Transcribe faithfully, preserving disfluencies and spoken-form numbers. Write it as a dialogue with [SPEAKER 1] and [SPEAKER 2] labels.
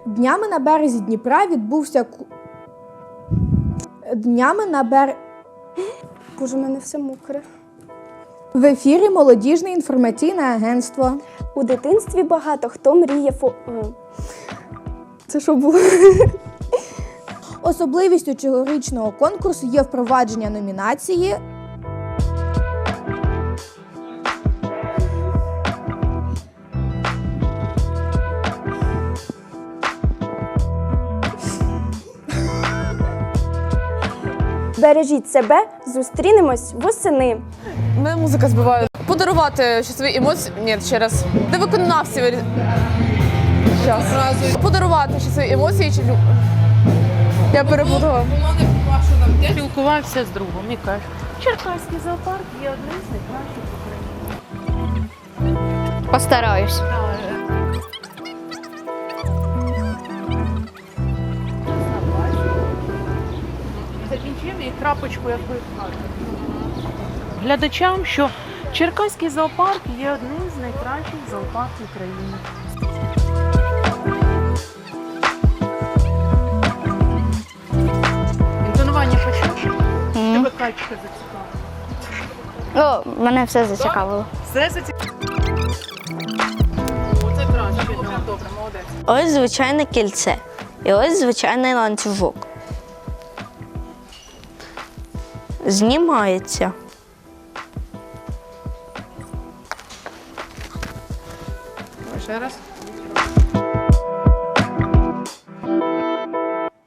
[SPEAKER 1] Днями на березі Дніпра відбувся ку... Днями на бер...
[SPEAKER 2] Боже, у мене все мокре.
[SPEAKER 1] В ефірі Молодіжне інформаційне агентство.
[SPEAKER 2] У дитинстві багато хто мріє фо... Це що було?
[SPEAKER 1] Особливістю цьогорічного конкурсу є впровадження номінації
[SPEAKER 2] Бережіть себе, зустрінемось восени.
[SPEAKER 3] Мене музика збиває. Подарувати щасливі емоції. Ні, ще раз. Де виконавці? Щас. Подарувати щасливі емоції чи люб. Я перепутала.
[SPEAKER 4] Спілкувався з другом і каже, Черкаський зоопарк є одним з найкращих в Україні.
[SPEAKER 5] Постараюсь.
[SPEAKER 4] Закінчимо і крапочку якби глядачам, що Черкаський зоопарк є одним з найкращих зоопарків України. Інтонування почув?
[SPEAKER 5] Мгм.
[SPEAKER 4] Тебе качка зацікавила.
[SPEAKER 5] О, мене все зацікавило.
[SPEAKER 4] Все зацікавило? Оце краще. Добре, молодець.
[SPEAKER 5] Ось звичайне кільце. І ось звичайний ланцюжок. Знімається.
[SPEAKER 4] Ще раз.